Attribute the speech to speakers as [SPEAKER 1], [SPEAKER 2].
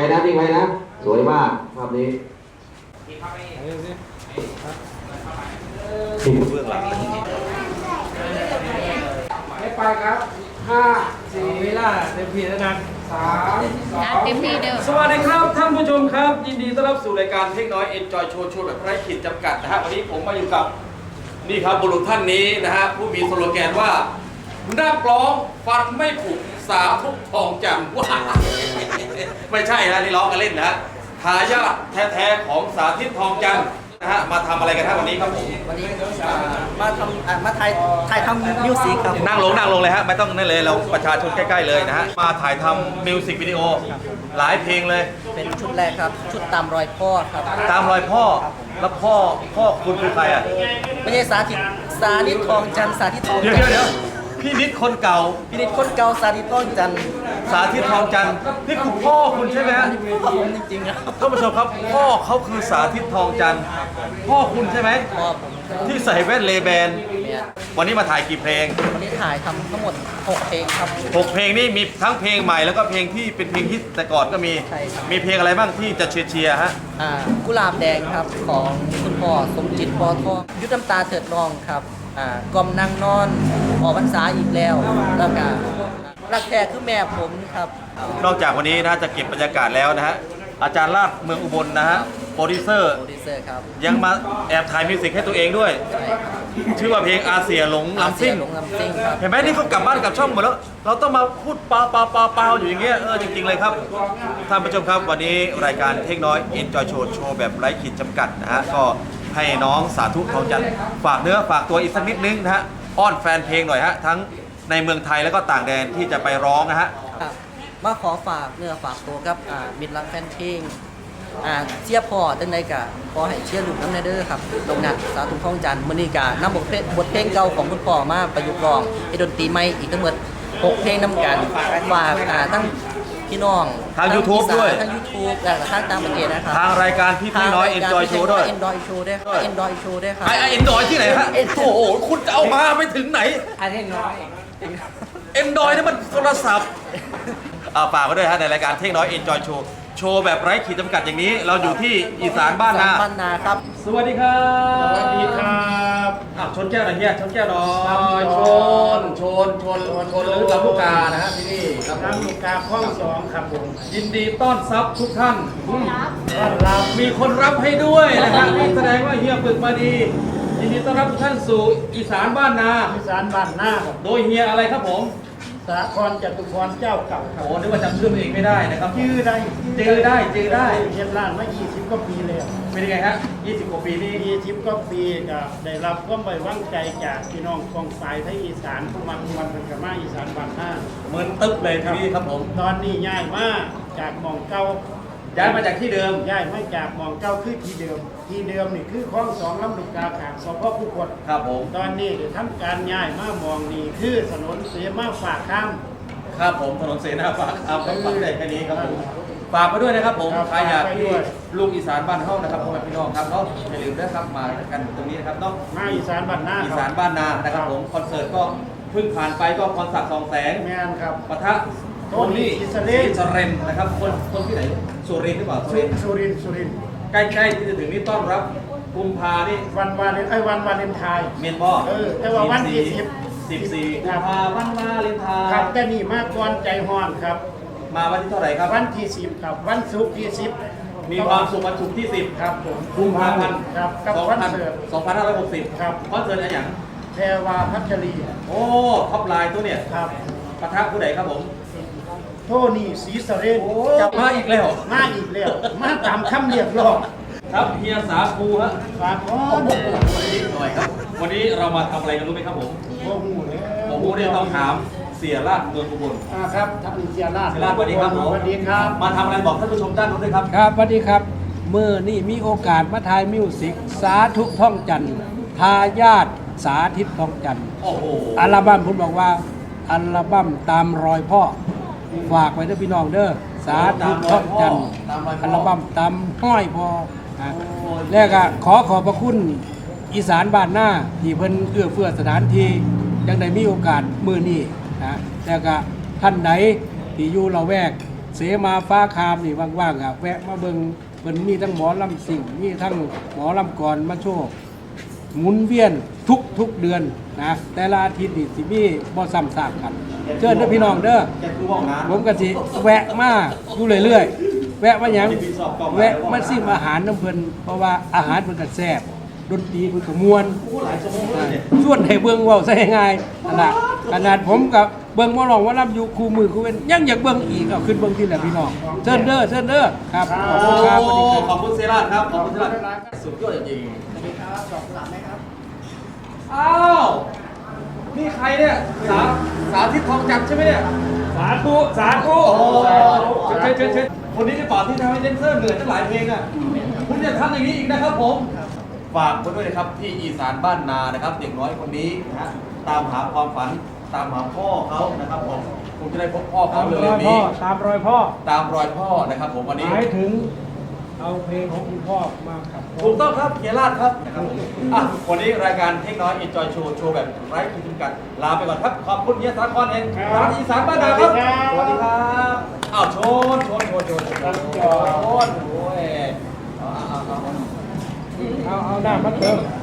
[SPEAKER 1] นะนิ่งไว้นะสวยมากภาพนี้เบื้องหลัง
[SPEAKER 2] ไม่ไปครับ5 4เวลาเต็มที่แล้วนะ3
[SPEAKER 3] เต็มที่เด้อ
[SPEAKER 2] สวัสดีครับท่านผู้ชมครับยินดีต้อนรับสู่รายการเทคน้อย Enjoy Show โชว์แบบไร้ขีดจำกัดนะฮะวันนี้ผมมาอยู่กับนี่ครับบุรุษท่านนี้นะฮะผู้มีสโลแกนว่านักร้องฟันไม่ผุสาทุกทองจำว่าไม่ใช่นะนี่ร้องกันเล่นนะทายาทแท้ๆของสาธิตทองจันทร์นะฮะมาทำอะไรกันครับวันนี้ครับผม
[SPEAKER 4] วันนี้มาทำมาถ่ายทำมิวสิกครับ
[SPEAKER 1] นั่งลงเลยฮะไม่ต้องนั่นเลยเราประชาชนใกล้ๆเลยนะฮะมาถ่ายทำมิวสิกวิดีโอหลายเพลงเลย
[SPEAKER 4] เป็นชุดแรกครับชุดตามรอยพ่อครับ
[SPEAKER 1] ตามรอยพ่อแล้วพ่อคุณคือใครอ่ะ
[SPEAKER 4] ไม่ใช่สาธิตทองจันทร์สาธิตทอง
[SPEAKER 1] เดี๋
[SPEAKER 4] จันท
[SPEAKER 1] ยว
[SPEAKER 4] ร์
[SPEAKER 1] พี่นิดคนเก่า
[SPEAKER 4] พินิจคนเก่าสาธิตทองจันทร์
[SPEAKER 1] สาธิตทองจันทร์นี่คือพ่อคุณใช่ไหมฮะ
[SPEAKER 4] ผมจริงๆครับ
[SPEAKER 1] ท่านผู้ชมครับพ่อเขาคือสาธิตทองจันทร์พ่อคุณใช่ไหม
[SPEAKER 4] พ่อผมครับ
[SPEAKER 1] ที่ใส่แว่นเลแบน
[SPEAKER 4] เนี่ย
[SPEAKER 1] วันนี้มาถ่ายกี่เพลง
[SPEAKER 4] วันนี้ถ่ายทำทั้งหมด6เพลงครับ
[SPEAKER 1] 6 เพลงนี่มีทั้งเพลงใหม่แล้วก็เพลงที่เป็นเพลงฮิตแต่ก่อนก็มี
[SPEAKER 4] ใช่ครับ
[SPEAKER 1] มีเพลงอะไรบ้างที่จะเชียร์ฮะ
[SPEAKER 4] กุหลาบแดงครับของคุณพ่อสมจิตปอทองยุทธน้ำตาเถิดนองครับกล่อมนางนอนออกพรรษาอีกแล้วแล้วก็รักแท้คือแม่ผมครับ
[SPEAKER 1] นอกจากวันนี้นะจะเก็บบรรยากาศแล้วนะฮะอาจารย์ลาดเมืองอุบลนะฮะโปรดิวเซอร์
[SPEAKER 4] โปรดิวเซอร์ครับ
[SPEAKER 1] ยังมาแอบถ่ายมิวสิกให้ตัวเองด้วย
[SPEAKER 4] ใช่ครับ
[SPEAKER 1] ชื่อว่าเพลงอาเซียหลงลำซิ่ง
[SPEAKER 4] หลงลำซิ่งครับ
[SPEAKER 1] เห็นไหมนี่เขากลับบ้านกลับช่องหมดแล้ว เราต้องมาพูดเปล่าอยู่อย่างเงี้ยจริงๆเลยครับท่านผู้ชมครับวันนี้รายการเทคน้อย Enjoy Show โชว์แบบไร้ขีดจำกัดนะฮะก็ให้น้องสาธุทองจันทร์ฝากเนื้อฝากตัวอีกสักนิดนึงนะฮะอ้อนแฟนเพลงหน่อยฮะทั้งในเมืองไทยแล้วก็ต่างแดนที่จะไปร้องนะฮะ
[SPEAKER 4] ครับมาขอฝากเนื้อฝากตัวกับมิตรรักแฟนเพลงเชียร์พ่อจังใดกะขอให้เชียร์ลูกน้ำในเด้อครับตรงนั้นสาธุทองจันทร์มื้อนี้กะนำบทเพลงเก่าของคุณพ่อมาประยุกต์ร้องให้ดนตรีใหม่อีกทั้งหมด6เพลงนำกันฝากทั้งพี่น้อง
[SPEAKER 1] ทาง YouTube ด้วย
[SPEAKER 4] ทาง YouTube และทางต่างประเทศนะครับ
[SPEAKER 1] ทางรายการพี่น้อย Enjoy Show ด้วย
[SPEAKER 4] Enjoy Show ด้วยครับ Enjoy Show ด้วยครับ
[SPEAKER 1] ไอ้เอ็นดอยที่ไหนฮะโอ้โหคุณจะเอามาไปถึงไหน
[SPEAKER 2] อันนี้น้อย
[SPEAKER 1] เอ็นดอยนี่มันโทรศัพท์ฝากไว้ด้วยฮะในรายการเทคน้อย Enjoy Show โชว์แบบไร้ขีดจำกัดอย่างนี้ เราอยู่ที่อีสานบ้านนา
[SPEAKER 4] บ้านนาครับ
[SPEAKER 2] สวัสดีครับ
[SPEAKER 5] สวัสดีครับ
[SPEAKER 1] ชนแก้วหน่อยเฮียชนแก้วหน่อยชนลึกลำลูกกานะฮะที่นี่ครับ
[SPEAKER 5] น้ำลูกกาคล้อง2ครับผม
[SPEAKER 1] ยินดีต้อนรับทุกท่าน
[SPEAKER 5] ต้อนรับ
[SPEAKER 1] มีคนรับให้ด้วยนะฮะนี่แสดงว่าเฮียฝึกมาดี ยินดีต้อนรับทุกท่านสู่อีสานบ้านนา
[SPEAKER 5] อีสานบ้านหน้าครับ
[SPEAKER 1] โดยเฮียอะไรครับผม
[SPEAKER 5] สาครจตุพรเจ้าเก่าครับ
[SPEAKER 1] โอ้นึกว่าจำชื่อตัวเองไม่ได้นะครับ
[SPEAKER 5] ชื่อได้
[SPEAKER 1] จื้อได้
[SPEAKER 5] เชียนร้านมา20กว่าปีแล้ว
[SPEAKER 1] เป็นยังไงฮะ20 กว่าปีนี่
[SPEAKER 5] 20กว่าปีก็ได้รับความไว้วางใจจากพี่น้องกองสายไทยอีสานผู้มักมวลเป็นกมาอีสานบ้านหน้า
[SPEAKER 1] เหมือนตึ๊บเลยทีนี้ครับผม
[SPEAKER 5] ตอนนี้ย้ายมาจากหมองเก่า
[SPEAKER 1] ย้ายมาจากที่เดิม
[SPEAKER 5] ย้ายมาจากหมองเก่าคือที่เดิมนี่คือคลอง2ลำลูกกาขางสพผู้กด
[SPEAKER 1] ครับผม
[SPEAKER 5] ตอนนี้ได้ทำการย้ายมามองนี่คือถนนเสมาฝากข้าม
[SPEAKER 1] ครับผมถนนเสนาฝากเอาครับฝากได้แค่นี้ครับผมฝากไปด้วยนะครับผม
[SPEAKER 5] ครับ
[SPEAKER 1] ใครอยาก
[SPEAKER 5] ฝากไป
[SPEAKER 1] ที่
[SPEAKER 5] ด้วย
[SPEAKER 1] ลูกอีสานบ้านเฮานะครับพ่อแม่พี่น้องครับเนาะอย่าลืมนะครับมากันตรงนี้นะครับเนาะ
[SPEAKER 5] มาอีสานบ้านหน้า
[SPEAKER 1] อี
[SPEAKER 5] ค
[SPEAKER 1] สา
[SPEAKER 5] รั
[SPEAKER 1] นบ้านนานะครับผมคอนเสิร์ตก็เพิ่งผ่านไปก็คอนเสิร์ต2 แสง
[SPEAKER 5] แมนครับ
[SPEAKER 1] ปะทะ
[SPEAKER 5] โทนี่อิสราเอล
[SPEAKER 1] อิสราเอลนะครับคนที่ไหนสุรินทร์หรือเปล่าสุรินทร์
[SPEAKER 5] สุรินทร์
[SPEAKER 1] ใกล้ๆที่จะถึงนี่ต้อนรับกุมภานี่
[SPEAKER 5] วันวาเลนไทน์
[SPEAKER 1] เมียนพ่อ
[SPEAKER 5] แต่ว่าวันที่
[SPEAKER 1] 14กุมภาพันธ์วาเลนไท
[SPEAKER 5] ครับ
[SPEAKER 1] น์
[SPEAKER 5] แต่นี่มากก่อนใจฮ้อนครับ
[SPEAKER 1] มาวันที่เท่าไหร่ครับ
[SPEAKER 5] วันที่10ครับวันศุกร์ที่10
[SPEAKER 1] มีความสุขวันศุกร์ที่ 10
[SPEAKER 5] ครับผม
[SPEAKER 1] กุมภาพันธ์
[SPEAKER 5] ครับกับคอนเสิร์ต
[SPEAKER 1] 2560
[SPEAKER 5] ครับ
[SPEAKER 1] คอนเสิร์ตอะไรอย่าง
[SPEAKER 5] แพรวาพัชรี
[SPEAKER 1] โอ้ท็อปไลน์ตัวเนี่ย
[SPEAKER 5] ครับ
[SPEAKER 1] ปะทะผู้ใดครับผม
[SPEAKER 5] โทนี่ศรีสะเรน
[SPEAKER 1] จับมาอีกแล้ว
[SPEAKER 5] มาอีกแล้วมาตามคำเรียกร้อง
[SPEAKER 1] ครับเฮียสาคูฮะ
[SPEAKER 5] ฝากก่อ
[SPEAKER 1] โอ้
[SPEAKER 5] น
[SPEAKER 1] โหวันนี้หน่อยครับ วันนี้เรามาทำอะไรกันรู้ไหมครับผม
[SPEAKER 5] โอ้โหแล้ว
[SPEAKER 1] ผมเนี่ยต้องถามเสียราชเมืองอุบล
[SPEAKER 5] ครับท่านเสียราช
[SPEAKER 1] เสียราชสวัสดีครับผม
[SPEAKER 5] สวัสดีครับ
[SPEAKER 1] มาทำอะไรบอกท่านผู้ชมด้านนู้นด้วยครับ
[SPEAKER 2] ครับสวัสดีครับเมื่อนี่มีโอกาสมาถ่ายมิวสิกสาธุท่องจันทร์ทายาทสาธิตท่องจันทร์
[SPEAKER 1] โอ้โห
[SPEAKER 2] อัลบั้มผมบอกว่าอัลบั้มตามรอยพ่อฝากไว้เด้อพี่น้องเด้อสาธุท่องจันทร์อัลบั้มตามห้อยพ่อนะแล้วก็ขอขอบพระคุณอีสานบ้านหน้าที่เพิ่นเอื้อเฟื้อสถานที่ยังได้มีโอกาสมื้อนี้นะแล้วก็ท่านใดที่อยู่ละแวก
[SPEAKER 3] เสมาฟ้าคามนี่ว่างๆอ่ะแวะมาเบิ่งเพิ่นมีทั้งหมอลำสิ่งมีทั้งหมอลำกรมาโชว์หมุนเวียนทุกเดือนนะแต่ละอาทิตย์นี่สิมีบ่ซ้ำซากกันเชิญเด้อพี่น้องเด้อ
[SPEAKER 1] แกคือว่างงาน
[SPEAKER 3] ผมก็สิแวะมาอยู่เรื่อยๆแวะมาหยังแวะมาซิมอาหารน้ำเพิ่นเพราะว่าอาหารเพิ่นก็แซ่บดนตรีเพิ่นก็ม่วน
[SPEAKER 1] หลายชั่วโมงเลยเนี่ย
[SPEAKER 3] ส่วนให้เบิ่งเว้าซะง่ายๆขนาดผมกับเบิ่งบ่ร้องว่ารับอยู่คู่มือคู่เว้นยังอยากเบิ่งอีกเอาขึ้นเบิ่งที่แหละพี่น้องเชิญเด้อครับขอบคุณครับสวัสดีครับ
[SPEAKER 2] ขอบคุณเซราชครับ ขอบคุณเซราชสุดยอดจริง
[SPEAKER 4] สวัสดีครับดอกกุหลาบไหมครับ
[SPEAKER 2] ๆอ้าว นี่ใครเนี่ย สาธิตทองจันทร์ใช่ไหมเนี่ย
[SPEAKER 3] สาธุสาธุ
[SPEAKER 2] โอ้เชิญคนนี้ได้ป่าที่ทำให้เดนเซอร์เหนื่อยตั้งหลายเพลงอ่ะ คุณอย่าทำอย่างนี้อีกนะครับผม ฝากคนด้วยนะครับที่อีสานบ้านนานะครับ เด็กน้อยคนนี้นะฮะตามหาความฝันตามหาพ่อเขานะครับผมคงจะได้พบพ่อเขา
[SPEAKER 3] ตามร
[SPEAKER 2] เร็
[SPEAKER 3] อ
[SPEAKER 2] วย ๆ
[SPEAKER 3] พ่อ
[SPEAKER 2] นี้
[SPEAKER 3] ตามรอยพ่อ
[SPEAKER 2] ตามรอยพ่อนะครับผมวันนี้
[SPEAKER 3] หมายถึงเอาเพลงของคุณพ่อมาขับร้
[SPEAKER 2] ถูกต้องครับเฮียราชครับนะครับผมวันนี้รายการเทคน้อย Enjoy Show โชว์แบบไร้ขีดจำกัดลาไปก่อนครับ ขอบคุณเฮียสาครเองร้านอีสานบ้านนาครับ สวัสดีครับอ้าวโชนโอ้ยเอา
[SPEAKER 3] เอาหน้ามาเติม